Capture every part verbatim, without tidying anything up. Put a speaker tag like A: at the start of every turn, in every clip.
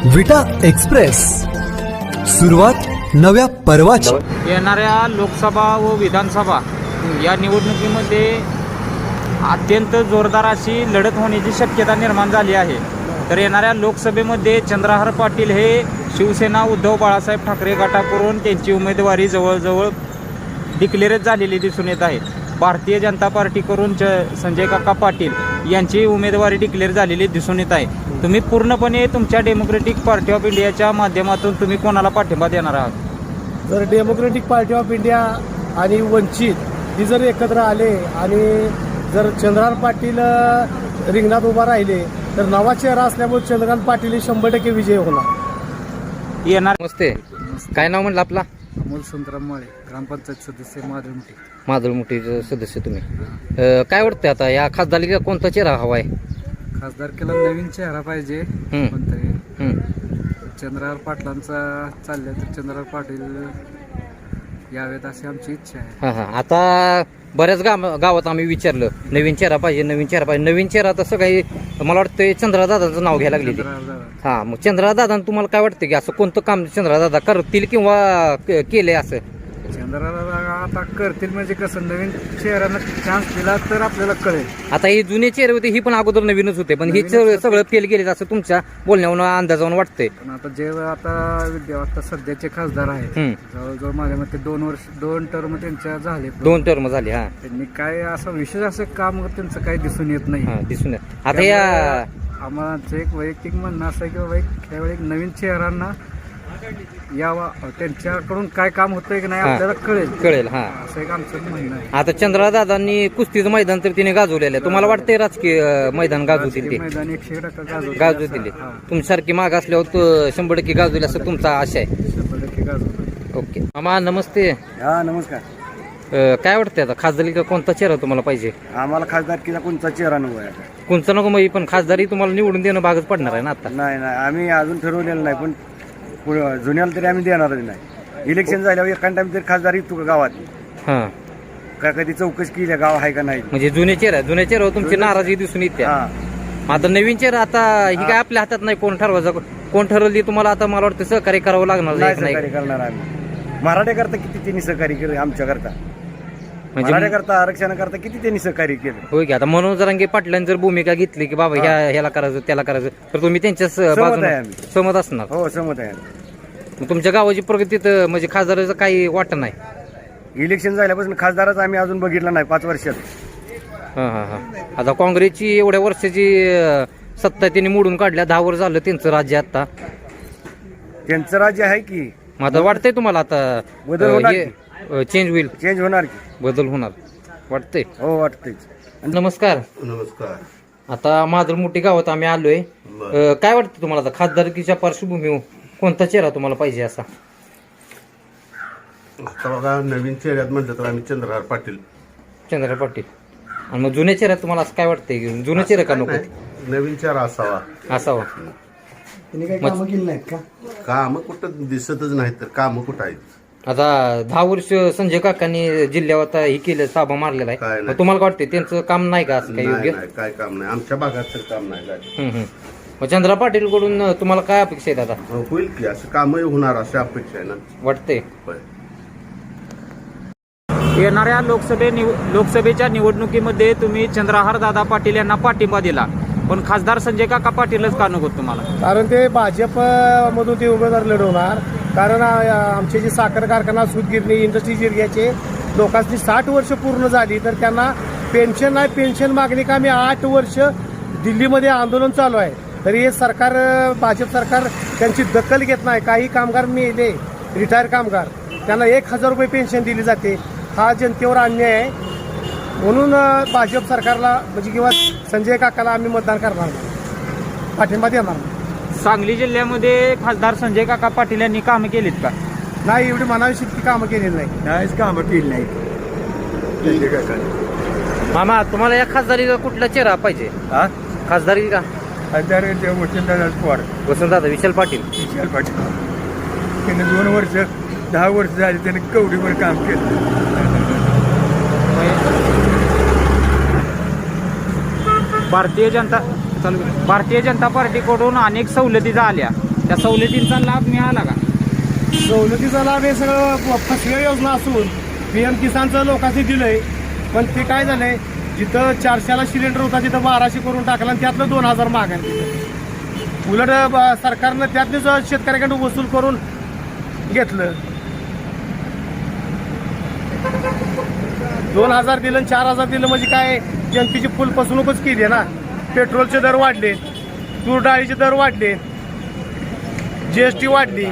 A: विटा एक्सप्रेस, सुरुवात नव्या पर्वाची।
B: येणाऱ्या लोकसभा व विधानसभा या निवडणुकीमध्ये अत्यंत जोरदार अशी लढत होण्याची शक्यता निर्माण झाली आहे। तर येणाऱ्या लोकसभेमध्ये चंद्रहार पाटील हे शिवसेना उद्धव बाळासाहेब ठाकरे गटाकडून त्यांची उमेदवारी जवळजवळ डिक्लेअरच झालेली दिसून येत आहे। भारतीय जनता पार्टीकडून च संजय काका पाटील यांची उमेदवारी डिक्लेअर झालेली दिसून येत आहे। तुम्ही पूर्णपणे तुमच्या डेमोक्रेटिक पार्टी ऑफ इंडियाच्या माध्यमातून तुम्ही कोणाला पाठिंबा देणार आहात?
C: जर डेमोक्रेटिक पार्टी ऑफ इंडिया आणि वंचित ही जर एकत्र आले आणि जर चंद्रकांत पाटील रिंगणात उभा राहिले तर नवा चेहरा असल्यामुळे चंद्रकांत पाटील शंभर टक्के विजय होणार।
B: येणार नमस्ते, काय नाव म्हणलं आपला?
C: अमोल संतराम माळे, ग्रामपंचायत सदस्य माधवमुठी।
B: माधवमुठीचे सदस्य तुम्ही, अ, काय वाटतं आता या खासदारकीला कोणता चेहरा हवा आहे?
C: खासदारकीला नवीन चेहरा पाहिजे
B: हम्म.
C: कोणतरी।
B: हम्म.
C: चंद्रहार पाटलांचा चाललंय तर चंद्रहार पाटील यावेत अशी आमची इच्छा आहे।
B: हां हां आता बऱ्याच गाव गावात आम्ही विचारलं नवीन चेहरा पाहिजे, नवीन चेहरा पाहिजे, नवीन चेहरा तसं काही मला वाटतं चंद्रहार दादाचं नाव घ्यायला लागले ते।
C: चंद्रहार दादा
B: हां, मग चंद्रहार दादा तुम्हाला काय वाटतं की असं कोणतं काम चंद्रहार दादा करतील किंवा क- केलंय असं?
C: चंद्रहार दादा आता करतील म्हणजे कसं नवीन चेहऱ्यानं चान्स दिला तर आपल्याला कळेल।
B: आता हे जुने चेहरे होते ही पण अगोदर नवीनच होते, पण हे
C: नवीनच
B: सगळं
C: होते.
B: सगळं फेल गेले असं तुमच्या बोलण्यावरून अंदाजावरून वाटतंय।
C: पण आता जे आता विद्या आता सध्याचे खासदार आहेत
B: हम्म.
C: जवळजवळ माझ्या मते दोन वर्ष दोन टर्म त्यांच्या झाले।
B: दोन टर्म झाले. हा
C: त्यांनी काय असं विशेष असं काम त्यांचं काही दिसून येत नाही।
B: हा दिसून येत. आता या
C: आम्हाला एक वैयक्तिक म्हणणं असं आहे की बाबा एक त्यावेळी एक नवीन चेहऱ्यांना यावा, त्यांच्याकडून काय काम होतंय की नाही
B: हा.
C: आपल्याला कळेल
B: कळेल. हा
C: असं एक आमचं म्हणणं आहे।
B: आता चंद्रहार दादांनी कुस्तीचं मैदान तर तिने गाजवलेलं आहे, तुम्हाला वाटतंय राजकीय अं, मैदान गाजवतील ते?
C: मैदान एकशे टक्का गाजवतील
B: गाजवतील
C: असं- हा,
B: तुमच्यासारखी माग असल्यावर तो शंभर टक्के गाजवेल असं तुमचा आशा आहे.
C: शंभर टक्के गाजवतील।
B: ओके मामा नमस्ते,
D: हा नमस्कार।
B: अं, काय वाटतंय आता खासदारी कोणता चेहरा तुम्हाला पाहिजे?
D: आम्हाला खासदारकीचा कोणता चेहरा नको आहे आता?
B: कोणता नको मग, पण खासदारी तुम्हाला निवडून देणं भागच पडणार आहे ना आता?
D: नाही नाही आम्ही अजून ठरवलेलं नाही, पण पुढं जुन्याला तरी आम्ही देणारच नाही। इलेक्शन झाल्यावर एका टाइम तरी खासदारी तू गावात
B: हा
D: काय कधी चौकशी केली गाव आहे का नाही?
B: म्हणजे जुने चेहरा जुन्या चेहऱ्यावर तुमची नाराजी दिसून येते।
D: हा
B: आता नवीन चेहरा आता ही काय आपल्या हातात नाही, कोण ठरवायचं कोण ठरवली तुम्हाला आता मला वाटतं सहकार्य करावं लागणार
D: नाही
B: आहे का
D: सहकार्य
B: नाही?
D: करणार आम्ही। मराठे करता किती त्यांनी सहकार्य केलं आमच्या करता, मराठे
B: म्हणजे
D: करता आरक्षण करता किती त्यांनी सहकार्य केलं।
B: होय की आता मनोज जरांगे पाटलांनी जर भूमिका घेतली की बाबा ह्या ह्याला करायचं त्याला करायचं तर तुम्ही त्यांच्याच बाजूने
D: आहे आम्ही.
B: सहमत असणार.
D: हो सहमत आहे।
B: मग तुमच्या गावाची प्रगती तर म्हणजे खासदाराचं काही वाटत नाही?
D: इलेक्शन झाल्यापासून खासदारच आम्ही अजून बघितला नाही पाच वर्षात।
B: हा हा हा आता काँग्रेसची एवढ्या वर्षाची अं, सत्ता त्यांनी मोडून काढल्या, दहा वर्ष झालं त्यांचं राज्य आता।
D: त्यांचं राज्य आहे की
B: मग आता वाटतंय तुम्हाला आता
D: बदल होणार
B: चेंज होईल,
D: चेंज होणार की?
B: बदल होणार वाटतंय?
D: हो वाटतंय।
B: नमस्कार,
E: नमस्कार।
B: आता माधुरमुठी गावात आम्ही आलोय। अं, काय वाटतं तुम्हाला आता खासदारकीच्या पार्श्वभूमीवर कोणता चेहरा तुम्हाला पाहिजे असा?
E: आता बघा नवीन चेहऱ्यात म्हटलं तर आम्ही चंद्रहार पाटील।
B: चंद्रहार पाटील. आणि मग जुन्या चेहऱ्यात तुम्हाला असं काय वाटतंय की जुना चेहरा का नको
E: नाही, नवीन चेहरा असावा।
B: असावा?
C: त्यांनी काही कामं केली नाहीत का?
E: काम कुठं दिसतच नाहीत तर काम कुठं आहेत?
B: आता दहा वर्ष संजय काकांनी जिल्ह्यावर आता हे केलं, साबा मारलेला
E: काय
B: आहे,
E: नाही.
B: मग तुम्हाला काय वाटतंय त्यांचं काम नाही का असं काही
E: नाही
B: योग्य?
E: नाही, काय काम नाही आमच्या भागात तर काम नाही काय।
B: हम्म, हम्म. मग चंद्रहार पाटील कडून तुम्हाला काय अपेक्षा आहेत आता?
E: हो, होईल की असं कामही होणार अशी अपेक्षा आहे ना।
B: वाटतंय
E: होय.
B: येणाऱ्या लोकसभे निव लोकसभेच्या निवडणुकीमध्ये तुम्ही चंद्रहार दादा पाटील यांना पाठिंबा दिला, पण खासदार संजय काका पाटीलच का नको तुम्हाला?
C: कारण ते भाजप मधून ते उमेदवार लढवणार। कारण आ- आमचे जे साखर कारखाना सूतगिरणी इंडस्ट्रीज एरियाचे लोकांची साठ वर्ष पूर्ण झाली तर त्यांना पेन्शन नाही, पेन्शन मागणी का आम्ही आठ वर्ष दिल्लीमध्ये आंदोलन चालू आहे तरी हे सरकार भाजप सरकार त्यांची दखल घेत नाही। काही कामगार मेले, रिटायर कामगार, त्यांना एक हजार रुपये पेन्शन दिली जाते। हा जनतेवर अन्याय आहे, म्हणून अ, भाजप सरकारला म्हणजे किंवा संजय काकाला आम्ही मतदान करणार नाही, पाठिंबा देणार नाही।
B: सांगली जिल्ह्यामध्ये खासदार संजय काका पाटील यांनी कामं केलीत का?
C: नाही एवढी म्हणावी इतकी कामं केलेली नाही।
D: नाहीच कामं केली नाही।
B: मामा तुम्हाला या खासदारीचा कुठला चेहरा पाहिजे?
D: हा
B: खासदारी का?
D: खासदार वसंतदादा पवार,
B: वसंतदादा विशाल पाटील.
D: विशाल पाटील त्याने दोन वर्ष दहा वर्ष झाली त्याने कवडीवर काम केलं।
B: भारतीय जनता चालू भारतीय जनता पार्टीकडून अनेक सवलती आल्या, त्या सवलतींचा लाभ मिळाला का?
C: सवलतीचा लाभ हे सगळं फसव्या योजना असून पी एम किसानचं लोकांनी दिलंय, पण ते काय झालंय, जिथं चारशेला सिलेंडर होता तिथं बाराशे करून टाकलं आणि त्यातलं दोन हजार मागायला दिलं. उलट ब- सरकारनं त्यातलीच शेतकऱ्याकडून वसूल करून घेतलं. दोन हजार दिलं आणि चार हजार दिलं म्हणजे काय, जनतेची फुल फसवणूकच केली आहे ना. पेट्रोलचे दर वाढले, तूर डाळीचे दर वाढले, जीएसटी वाढली.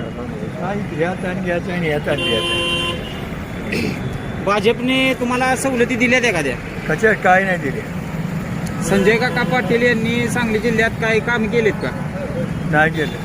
B: भाजपने तुम्हाला सवलती दिल्यात एखाद्या?
F: कशा काय नाही दिले,
B: संजय काका पाटील यांनी सांगली जिल्ह्यात काही काम केलेत का?
F: नाही केलं.